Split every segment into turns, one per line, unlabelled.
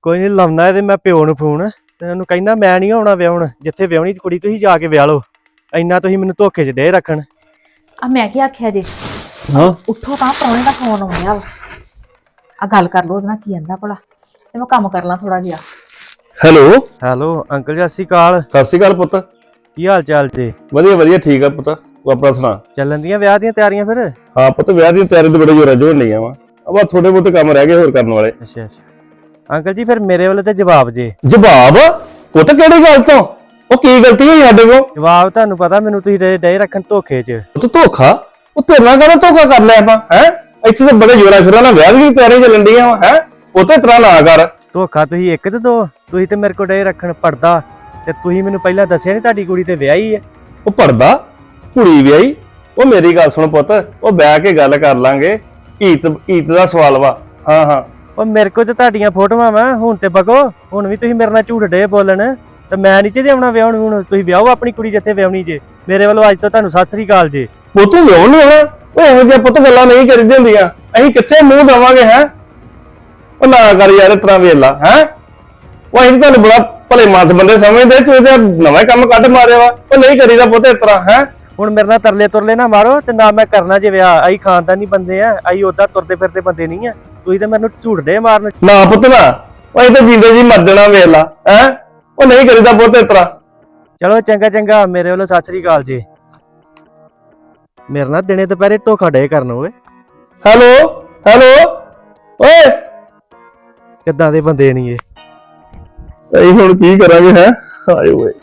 ਕੋਈ ਨਹੀਂ ਲਾਉਣਾ ਇਹਦੇ ਮੈਂ ਪਿਓ ਨੂੰ ਫੋਨ ਤੇ ਉਹਨੂੰ ਕਹਿੰਦਾ ਮੈਂ ਨਹੀਂ ਆਉਣਾ ਵਿਆਹਣ ਜਿੱਥੇ ਵਿਆਹਣੀ ਕੁੜੀ ਤੁਸੀਂ ਜਾ ਕੇ ਵਿਆਹ ਲਓ। ਇੰਨਾ ਤੁਸੀਂ ਮੈਨੂੰ ਧੋਖੇ 'ਚ ਦੇ ਰੱਖਣ।
ਆ ਮੈਂ ਕੀ ਆਖਿਆ ਜੇ
ਹਾਂ
ਉੱਠੋ ਤਾਂ ਪ੍ਰਾਹੁਣੇ ਦਾ ਫੋਨ ਆਉਂਦਾ ਵਾ। ਆ ਗੱਲ ਕਰ ਲਓ ਉਹਦੇ ਨਾਲ ਕੀ ਕਹਿੰਦਾ ਭਲਾ ਤੇ ਮੈਂ ਕੰਮ ਕਰ ਲਾਂ ਥੋੜਾ ਜਿਹਾ।
ਹੈਲੋ ਅੰਕਲ ਜੀ, ਸਤਿ ਸ਼੍ਰੀ ਅਕਾਲ।
ਸਤਿ ਸ਼੍ਰੀ ਅਕਾਲ ਪੁੱਤ।
ਕੀ ਹਾਲ ਚਾਲ ਜੀ?
ਵਧੀਆ ਵਧੀਆ ਠੀਕ ਆ ਪੁੱਤ, ਤੂੰ ਆਪਣਾ ਸੁਣਾ।
ਚੱਲਣ ਦੀਆਂ ਵਿਆਹ ਦੀਆਂ ਤਿਆਰੀਆਂ ਫਿਰ?
ਹਾਂ ਪੁੱਤ, ਵਿਆਹ ਦੀ ਤਿਆਰੀ ਤੇ ਬੜੇ ਜੋਰਾਂ ਜੋਰ ਨਹੀਂ ਆਵਾ, ਅਬਾ ਥੋੜੇ ਬਹੁਤੇ ਕੰਮ ਰਹਿ ਗਏ ਹੋਰ ਕਰਨ ਵਾਲੇ।
ਅੱਛਾ ਅੰਕਲ ਜੀ, ਫਿਰ ਮੇਰੇ ਵੱਲੋਂ ਤੇ ਜਵਾਬ ਜੇ।
ਜਵਾਬ ਪੁੱਤ ਕਿਹੜੀ ਗੱਲ ਤੋਂ? ਉਹ ਕੀ ਗਲਤੀ ਹੋਈ ਸਾਡੇ ਕੋਲ?
ਜਵਾਬ ਤੁਹਾਨੂੰ ਪਤਾ ਮੈਨੂੰ ਤੁਸੀਂ ਡੇ ਰੱਖਣ ਧੋਖੇ 'ਚ।
ਪੁੱਤ ਧੋਖਾ? ਉਹ ਤੇਰੇ ਨਾਲ ਕਹਿੰਦਾ ਧੋਖਾ ਕਰ ਲਿਆ ਆਪਾਂ ਹੈ? ਇੱਥੇ ਤਾਂ ਬੜੇ ਜੋਰਾਂ ਸ਼ੋਰਾਂ ਨਾਲ ਵਿਆਹ ਦੀ ਤਿਆਰੀ ਚੱਲਣ ਡੀਆਂ ਵਾ ਹੈ। ਪੁੱਤ ਇਤਰਾ ਨਾ ਕਰ।
ਧੋਖਾ ਤੁਸੀਂ ਇੱਕ ਤੇ ਦੋ, ਤੁਸੀਂ ਤੇ ਮੇਰੇ ਕੋਲ ਡੇ ਰੱਖਣ ਪੜਦਾ ਤੇ ਤੁਸੀਂ ਮੈਨੂੰ ਪਹਿਲਾਂ ਦੱਸਿਆ ਨਹੀਂ ਤੁਹਾਡੀ ਕੁੜੀ ਤੇ ਵਿਆਹੀ ਹੈ।
ਉਹ ਪੜਦਾ ਕੁੜੀ ਵਿਆਹੀ? ਉਹ ਮੇਰੀ ਗੱਲ ਸੁਣ ਪੁੱਤ, ਉਹ ਬਹਿ ਕੇ ਗੱਲ ਕਰ ਲਾਂਗੇ। ਈਤ ਦਾ ਸਵਾਲ ਵਾ। ਹਾਂ ਹਾਂ
ਉਹ ਮੇਰੇ ਕੋਲ ਤੇ ਤੁਹਾਡੀਆਂ ਫੋਟੋਆਂ ਵਾ, ਹੁਣ ਤੇ ਬਗੋ ਹੁਣ ਵੀ ਤੁਸੀਂ ਮੇਰੇ ਨਾਲ ਝੂਠ ਡੇ ਬੋਲਣ ਤੇ ਮੈਂ ਨਹੀਂ ਚਾਹੀਦੀ ਆਉਣਾ ਵਿਆਹਣ। ਹੁਣ ਤੁਸੀਂ ਵਿਆਹੋ ਆਪਣੀ ਕੁੜੀ ਜਿੱਥੇ ਵਿਆਹਣੀ ਜੇ। ਮੇਰੇ ਵੱਲੋਂ ਅੱਜ ਤੋਂ ਤੁਹਾਨੂੰ ਸਤਿ ਸ੍ਰੀ ਅਕਾਲ ਜੀ।
ਪੁੱਤ ਵਿਆਹ ਨਹੀਂ ਹੋਣਾ? ਉਹ ਇਹੋ ਜਿਹੀਆਂ ਪੁੱਤ ਗੱਲਾਂ ਨਹੀਂ ਕਰੀਦੀਆਂ ਹੁੰਦੀਆਂ, ਅਸੀਂ ਕਿੱਥੇ ਮੂੰਹ ਦੇਵਾਂਗੇ ਹੈ? ਉਹ ਨਾ ਕਰ ਯਾਰ ਇਤਨਾ ਵੇਲਾ ਹੈ। ਉਹ ਅਸੀਂ ਤੁਹਾਨੂੰ ਬੜਾ ਭਲੇ ਮਾਨਸ ਬੰਦੇ ਸਮਝਦੇ, ਤੂੰ ਤੇ ਨਵਾਂ ਕੰਮ ਕੱਢ ਮਾਰਿਆ ਵਾ। ਉਹ ਨਹੀਂ ਕਰੀਦਾ ਪੁੱਤ ਇਸ ਤਰ੍ਹਾਂ ਹੈ।
ਹੁਣ ਮੇਰੇ ਨਾਲ ਤਰਲੇ ਤੁਰਲੇ ਨਾ ਮਾਰੋ ਤੇ ਨਾ ਮੈਂ ਕਰਨਾ ਜੇ ਵਿਆਹ। ਅਸੀਂ ਖਾਨਦਾਨੀ ਬੰਦੇ ਆ, ਅਸੀਂ ਓਦਾਂ ਤੁਰਦੇ ਫਿਰਦੇ ਬੰਦੇ ਨਹੀਂ ਆ। ਤੁਸੀਂ ਤੇ ਮੈਨੂੰ ਝੂਠ ਡੇ ਮਾਰਨ।
ਨਾ ਪੁੱਤ ਨਾ, ਉਹ ਇਹ ਤਾਂ ਜਿੰਦੇ ਜੀ ਮਰ ਜਾਣਾ ਵੇਲਾ ਹੈ। ਉਹ ਨਹੀਂ ਕਰੀਦਾ ਪੁੱਤ ਇਸ ਤਰ੍ਹਾਂ।
ਚਲੋ ਚੰਗਾ ਚੰਗਾ, ਮੇਰੇ ਵੱਲੋਂ ਸਤਿ ਸ੍ਰੀ ਅਕਾਲ ਜੀ। ਮੇਰੇ ਨਾਲ ਦਿਨੇ ਦੁਪਹਿਰੇ ਧੋਖਾ ਡੇ ਕਰਨ ਓਏ।
ਹੈਲੋ ਹੈਲੋ ਓਏ,
ਕਿੱਦਾਂ ਦੇ ਬੰਦੇ ਨਹੀਂ ਇਹ।
ਅਸੀਂ ਹੁਣ ਕੀ ਕਰਾਂਗੇ ਹੈ? ਹਾਏ ਓਏ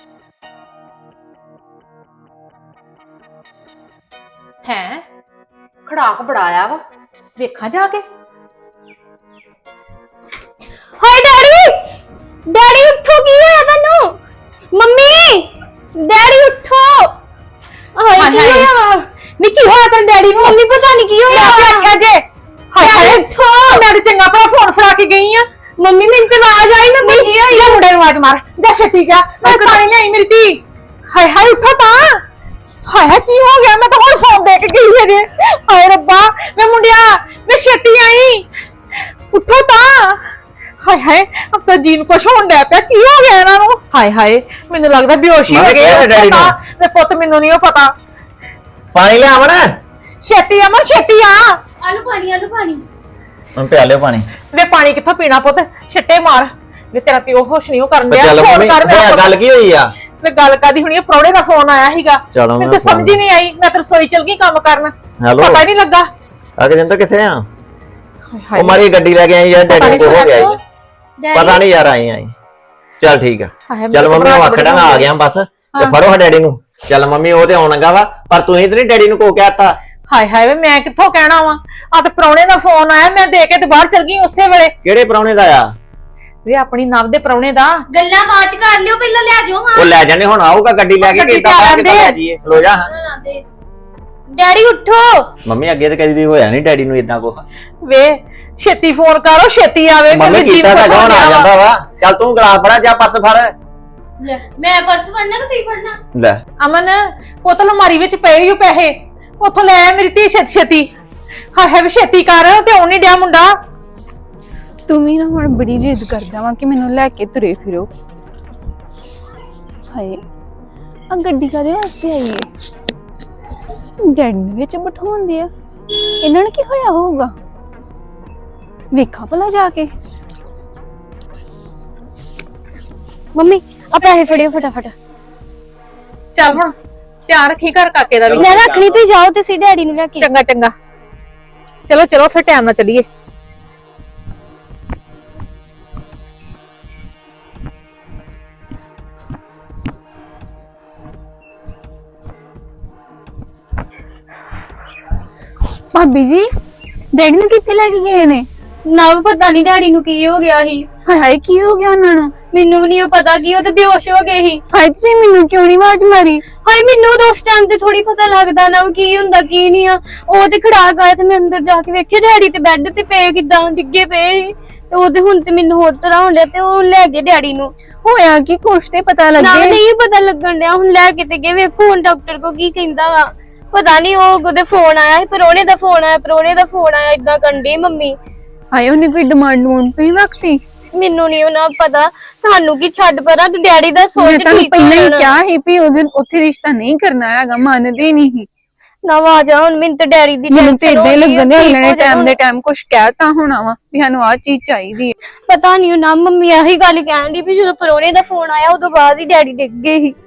ਹੈ ਖੜਾਕ ਬੜਾਇਆ ਵਾ, ਵੇਖਾਂ ਜਾ ਕੇ।
ਹਾਏ ਡੈਡੀ, ਡੈਡੀ ਉੱਠੋ, ਕੀ ਹੋਇਆ ਤੁਹਾਨੂੰ? ਮੰਮੀ, ਡੈਡੀ ਉੱਠੋ। ਹਾਏ ਕੀ ਹੋਇਆ ਵਾ?
ਨੀ ਕੀ ਹੋਇਆ ਤੇਰੇ ਡੈਡੀ ਨੂੰ?
ਮੰਮੀ ਪਤਾ ਨਹੀਂ ਕੀ ਹੋਇਆ।
ਮੈਂ ਆਖਿਆ ਜੇ ਹਾਏ
ਉੱਠੋ।
ਮੈਂ ਤੇ ਚੰਗਾ ਭਲਾ ਫੋਨ ਫੜਾ ਕੇ ਗਈ ਆ।
ਮੰਮੀ ਮੈਨੂੰ ਤੇ ਆਵਾਜ਼ ਆਈ। ਮੰਮੀ ਕੀ ਹੋਈ?
ਇਹ ਮੁੰਡੇ ਨੂੰ ਆਵਾਜ਼ ਮਾਰ, ਜਾ ਛੇਤੀ ਜਾ, ਮੈਂ ਪਾਣੀ ਲਿਆਈ ਮੇਰੀ ਧੀ। ਹਾਏ ਹਾਏ ਉੱਠੋ ਤਾਂ। ਹਾਏ ਹਾਏ ਕੀ ਹੋ ਗਿਆ? ਮੈਂ ਤਾਂ ਹੁਣ ਫੋਨ ਦੇ ਕੇ ਗਈ ਜੇ। ਹਾਏ ਰੱਬਾ ਮੈਂ ਮੁੰਡਿਆ, ਮੈਂ ਛੇਤੀ ਆਈ, ਉੱਠੋ ਤਾਂ। ਹਾਏ ਹਾਏ ਅਬ ਤਾਂ ਜੀਨ ਕੁਛ ਹੋਣ ਡਿਆ ਪਿਆ। ਕੀ ਹੋ ਗਿਆ ਇਹਨਾਂ ਨੂੰ? ਹਾਏ ਹਾਏ ਮੈਨੂੰ ਲੱਗਦਾ ਬੇਹੋਸ਼ੀ ਹੋ ਗਈ ਹੈ। ਤੇ ਪੁੱਤ ਮੈਨੂੰ ਨਹੀਂ ਪਤਾ।
ਪਾਣੀ ਲਿਆ ਅਮਨ।
ਛੇਤੀ ਅਮਰ ਛੇਤੀ ਆ।
ਆਲੂ ਪਾਣੀ, ਆਲੂ ਪਾਣੀ।
ਹੁਣ ਪਿਆ ਲਿਓ ਪਾਣੀ।
ਵੇ ਪਾਣੀ ਕਿੱਥੋਂ ਪੀਣਾ ਪੁੱਤ? ਛੱਟੇ ਮਾਰ। ਵੇ ਤੇਰਾ ਪਿਓ ਹੋਸ਼ ਨਹੀਂ ਕਰਨ ਡਿਆ।
ਚੱਲ
ਫੋਨ
ਮੰਮੀ
ਕਰ ਮੇਰਾ ਪੁੱਤ।
ਗੱਲ ਕੀ ਹੋਈ ਆ?
ਵੇ ਗੱਲ ਕਾਦੀ ਹੋਣੀ? ਪ੍ਰਾਹੁਣੇ ਦਾ ਫੋਨ ਆਇਆ ਸੀਗਾ।
ਚਲੋ
ਮੈਨੂੰ ਤਾਂ ਸਮਝ ਹੀ ਨਹੀਂ ਆਈ। ਮੈਂ ਤਾਂ ਰਸੋਈ ਚਲ ਗਈ ਕੰਮ ਕਰਨ,
ਹੈਲੋ
ਪਤਾ ਹੀ ਨਹੀਂ ਲੱਗਾ।
ਆ ਜਿੰਦਰ ਕਿੱਥੇ ਆ?
ਹਾਏ
ਉਹ ਮਾਰੀ ਗੱਡੀ ਲੈ ਕੇ ਆਈ ਯਾਰ, ਡੈਡੀ ਕੋਲ ਹੋ ਗਿਆ ਜੀ। ਪਤਾ ਨਹੀਂ ਯਾਰ, ਆਈ ਚੱਲ ਠੀਕ ਆ। ਚੱਲ ਮੰਮੀ ਉਹ ਆਖੜਾ ਆ ਗਿਆ ਬਸ, ਤੇ ਫੜੋ ਡੈਡੀ ਨੂੰ। ਚੱਲ ਮੰਮੀ ਉਹ ਤੇ ਆਉਣ ਲੱਗਾ ਵਾ, ਪਰ ਤੁਸੀਂ ਤੇ ਨਹੀਂ ਡੈਡੀ ਨੂੰ ਕੋ ਕਹਿਤਾ?
ਹਾਏ ਹਾਏ ਵੇ ਮੈਂ ਕਿੱਥੋਂ ਕਹਿਣਾ ਵਾ? ਆ ਤੇ ਪ੍ਰਾਹੁਣੇ ਦਾ ਫੋਨ ਆਇਆ, ਮੈਂ ਦੇ ਕੇ ਤੇ ਬਾਹਰ ਚਲ ਗਈ ਉਸੇ ਵੇਲੇ।
ਕਿਹੜੇ ਪ੍ਰਾਹੁਣੇ ਦਾ ਆ?
ਵੇ ਆਪਣੀ ਨਵ ਦੇ ਪ੍ਰਾਹੁਣੇ ਦਾ।
ਗੱਲਾਂ ਬਾਅਦ ਚ ਕਰ ਲਿਓ, ਪਹਿਲਾਂ ਲੈ ਜਾਓ। ਹਾਂ
ਉਹ ਲੈ ਜਾਣੇ, ਹੁਣ ਆਊਗਾ ਗੱਡੀ ਲੈ ਕੇ।
ਗੱਡੀ ਤੇ ਆ ਲੈਂਦੇ।
ਲੋ ਜਾ
ਡੈਡੀ ਉੱਠੋ।
ਮੰਮੀ, ਅੱਗੇ ਤੇ ਕਦੀ ਹੋਇਆ ਨਹੀਂ ਡੈਡੀ ਨੂੰ ਇਦਾਂ ਕੋ।
ਵੇ ਛੇਤੀ ਫੋਨ ਕਰੋ, ਛੇਤੀ ਆਵੇ।
ਮੰਮੀ ਕੀਤਾ ਤਾਂ ਕੌਣ ਆ ਜਾਂਦਾ ਵਾ। ਚੱਲ ਤੂੰ ਗਲਾਸ ਫੜਾ, ਜਾ ਪਰਸ ਫੜ।
ਲੈ ਮੈਂ ਪਰਸ ਫੜਨਾ ਕਿ ਤੁਸੀਂ ਫੜਨਾ?
ਲੈ
ਅਮਨ ਪੁੱਤ ਅਲਮਾਰੀ ਵਿੱਚ ਪਏ ਹੀ ਪੈਸੇ, ਉੱਥੋਂ ਲੈ ਆ ਮੇਰੀ ਧੀ ਛੇਤੀ ਛੇਤੀ। ਹਾਏ ਹਾਏ ਛੇਤੀ ਕਰ, ਤੇ ਆਉਣ ਨਹੀਂ ਡਿਆ ਮੁੰਡਾ।
ਤੂੰ ਵੀ ਨਾ ਹੁਣ ਬੜੀ ਜਿੱਦ ਕਰਦਾ ਵਾਂ ਕਿ ਮੈਨੂੰ ਲੈ ਕੇ ਤੁਰੇ ਫਿਰੋ। ਹਾਏ ਆ ਗੱਡੀ ਕਾਹਦੇ ਵਾਸਤੇ ਆਈ ਏ? ਡੈਡੀ ਨੇ ਵਿੱਚ ਬਿਠਾਉਂਦੇ ਆ। ਇਹਨਾਂ ਨੂੰ ਕੀ ਹੋਇਆ ਹੋਊਗਾ? ਵੇਖਾਂ ਭਲਾ ਜਾ ਕੇ।
ਮੰਮੀ ਆ ਪੈਸੇ ਫੜਿਓ ਫਟਾਫਟ।
ਚੱਲ ਹੁਣ ਧਿਆਨ ਰੱਖੀ ਘਰ ਕਾਕੇ ਦਾ ਵੀ।
ਮੈਂ ਰੱਖਣੀ, ਤੁਸੀਂ ਜਾਓ ਤੇ ਸੀ ਡੈਡੀ ਨੂੰ ਲੈ ਕੇ।
ਚੰਗਾ ਚੰਗਾ, ਚਲੋ ਚਲੋ ਫਿਰ ਟਾਈਮ ਨਾਲ ਚੱਲੀਏ।
ਭਾਬੀ ਜੀ ਡੈਡੀ ਨੂੰ ਕਿੱਥੇ ਲੈ ਕੇ ਗਏ ਨੇ?
ਨਾ ਪਤਾ ਨਹੀਂ ਡੈਡੀ ਨੂੰ ਕੀ ਹੋ ਗਿਆ ਸੀ।
ਹਾਏ ਹਾਏ ਕੀ ਹੋ ਗਿਆ ਉਹਨਾਂ ਨੂੰ?
ਮੈਨੂੰ ਵੀ ਨਹੀਂ ਪਤਾ ਕੀ, ਉਹ ਤੇ ਬੇਹੋਸ਼ ਹੋ ਗਏ ਸੀ।
ਹਾਏ ਤੁਸੀਂ ਮੈਨੂੰ ਕਿਉਂ ਨਹੀਂ ਆਵਾਜ਼ ਮਾਰੀ?
ਹਾਏ ਮੈਨੂੰ ਤਾਂ ਉਸ ਟਾਈਮ ਤੇ ਥੋੜੀ ਪਤਾ ਲੱਗਦਾ ਨਾ ਕੀ ਹੁੰਦਾ ਕੀ ਨਹੀਂ ਆ। ਉਹ ਤੇ ਖੜਾਕ ਆਇਆ ਤੇ ਮੈਂ ਅੰਦਰ ਜਾ ਕੇ ਵੇਖਿਆ ਡੈਡੀ ਤੇ ਬੈੱਡ ਤੇ ਪਏ ਕਿਦਾਂ ਡਿੱਗੇ ਪਏ ਸੀ। ਤੇ ਉਹਦੇ ਹੁਣ ਤੇ ਮੈਨੂੰ ਹੋਰ ਤਰ੍ਹਾਂ ਹੋਣ ਡਿਆ ਤੇ ਉਹ ਲੈ ਗਏ ਡੈਡੀ ਨੂੰ।
ਹੋਇਆ ਕਿ ਕੁਛ ਤੇ ਪਤਾ
ਨਾ
ਲੱਗੇ।
ਨਹੀਂ ਪਤਾ ਲੱਗਣ ਡਿਆ, ਹੁਣ ਲੈ ਕੇ ਤੇ ਗਏ। ਵੇਖੋ ਹੁਣ ਡਾਕਟਰ ਕੋ ਕੀ ਕਹਿੰਦਾ ਵਾ। ਪਤਾ ਨਹੀਂ ਉਹ ਉਹਦੇ ਫੋਨ ਆਇਆ, ਪ੍ਰਾਹੁਣੇ ਦਾ ਫੋਨ ਆਇਆ, ਪ੍ਰਾਹੁਣੇ ਦਾ ਫੋਨ ਆਇਆ, ਇਦਾਂ ਕਰਨ ਡਈ ਮੰਮੀ।
ਹਾਏ ਉਹਨੇ ਕੋਈ ਡਿਮਾਂਡ ਨਹੀਂ ਰੱਖਤੀ?
ਮੈਨੂੰ ਨਹੀਂ ਉਹਨਾਂ ਪਤਾ, ਤੁਹਾਨੂੰ ਕੀ ਛੱਡ ਪਰਾਂ, ਤੂੰ ਡੈਡੀ ਦਾ
ਮੈਂ
ਸੋਚ
ਤੁਹਾਨੂੰ
ਠੀਕ
ਪਹਿਲਾਂ ਹੀ
ਹੋਣਾ।
ਕਿਹਾ ਸੀ ਵੀ ਉਹਦੇ ਉੱਥੇ ਰਿਸ਼ਤਾ ਨਹੀਂ ਕਰਨਾ ਹੈਗਾ, ਮੰਨਦੇ ਨਹੀਂ ਸੀ।
ਨਾ ਆ ਜਾ ਹੁਣ, ਮੈਨੂੰ ਤੇ ਡੈਡੀ ਦੀ
ਮੈਨੂੰ ਤੇ
tension
ਇਦਾਂ ਹੀ
ਹੋ ਰਹੀ ਆ,
ਲੱਗਣ ਦੇ
ਠੀਕ
ਅਗਲੇ ਨੇ
ਹੋ ਜਾਣਾ
ਟਾਈਮ ਦੇ ਟਾਈਮ ਕੁਝ ਕਹਿਤਾ ਹੋਣਾ ਵਾ ਵੀ ਸਾਨੂੰ ਆਹ ਚੀਜ਼ ਚਾਹੀਦੀ ਹੈ।
ਪਤਾ ਨਹੀਂ ਨਾ, ਮੰਮੀ ਆਹੀ ਗੱਲ ਕਹਿਣ ਦੀ ਵੀ ਜਦੋਂ ਪਰੋਣੇ ਦਾ ਫੋਨ ਆਇਆ ਉਦੋਂ ਬਾਅਦ ਹੀ ਡੈਡੀ ਡਿੱਗ ਗਏ ਸੀ।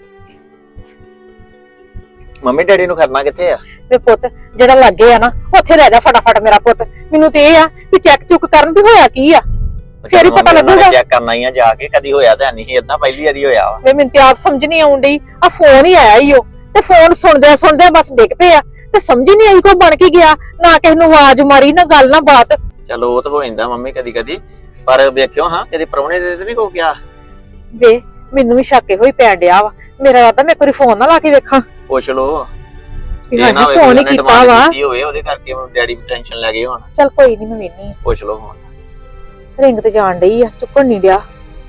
ਮੰਮੀ ਡੈਡੀ ਨੂੰ ਕਰਨਾ ਕਿੱਥੇ ਆ?
ਵੇ ਪੁੱਤ ਜਿਹੜਾ ਲੱਗੇ ਆ ਨਾ ਉੱਥੇ ਰਹਿ ਜਾ ਫਟਾਫਟ ਮੇਰਾ ਪੁੱਤ। ਮੈਨੂੰ ਤੇ ਇਹ ਆ ਵੀ ਚੈੱਕ ਚੁੱਕ ਕਰਨ ਵੀ ਹੋਇਆ ਕੀ ਆ, ਫੇਰ ਹੀ ਪਤਾ ਲੱਗੂਗਾ।
ਚੈੱਕ ਕਰਨਾ ਹੀ ਆ ਜਾ ਕੇ, ਕਦੀ ਹੋਇਆ ਤਾਂ ਨਹੀਂ ਇਦਾਂ, ਪਹਿਲੀ ਵਾਰੀ ਹੋਇਆ ਵਾ।
ਵੇ ਮੈਨੂੰ ਤੇ ਆਪ ਸਮਝ ਨਹੀਂ ਆਉਣ ਡਈ, ਆ ਫੋਨ ਹੀ ਆਇਆ ਈ ਉਹ ਤੇ ਫੋਨ ਸੁਣਦਿਆਂ ਬਸ ਡਿੱਗ ਪਿਆ ਤੇ ਸਮਝ ਹੀ ਨਹੀਂ ਆਈ ਕੋ ਬਣ ਕੇ ਗਿਆ, ਨਾ ਕਿਸੇ ਨੂੰ ਆਵਾਜ਼ ਮਾਰੀ ਨਾ ਗੱਲ ਨਾ ਬਾਤ।
ਚਲੋ ਉਹ ਤਾਂ ਹੋ ਜਾਂਦਾ ਮੰਮੀ ਕਦੀ ਕਦੀ, ਪਰ ਵੇਖਿਓ ਹਾਂ ਕਦੀ ਪ੍ਰਾਹੁਣੇ ਦੇ ਤੇ ਨਹੀਂ ਕੋ ਗਿਆ।
ਵੇ ਮੈਨੂੰ ਵੀ ਸ਼ੱਕ ਹੋਈ ਪੈਣ ਡਿਆ ਵਾ, ਮੇਰਾ ਰਾਦਾ ਮੈਂ ਕੋਈ ਫੋਨ ਨਾ ਲਾ ਕੇ ਵੇਖਾਂ
ਪੁੱਛ ਲੋ
ਵੀ ਹਾਂ ਫੋਨ ਹੀ ਕੀਤਾ ਵਾ।
ਹੋਏ ਉਹਦੇ ਕਰਕੇ ਡੈਡੀ ਟੈਨਸ਼ਨ ਲੈ ਗਏ ਹੁਣ।
ਚੱਲ ਕੋਈ ਨਹੀਂ ਮੈਂ ਵੇਖਨੀ ਆ,
ਪੁੱਛ ਲੋ ਹੁਣ।
ਰਿੰਗ ਤੇ ਜਾਣ ਡਈ ਆ, ਚੁੱਕਣ ਨਹੀਂ ਡਿਆ,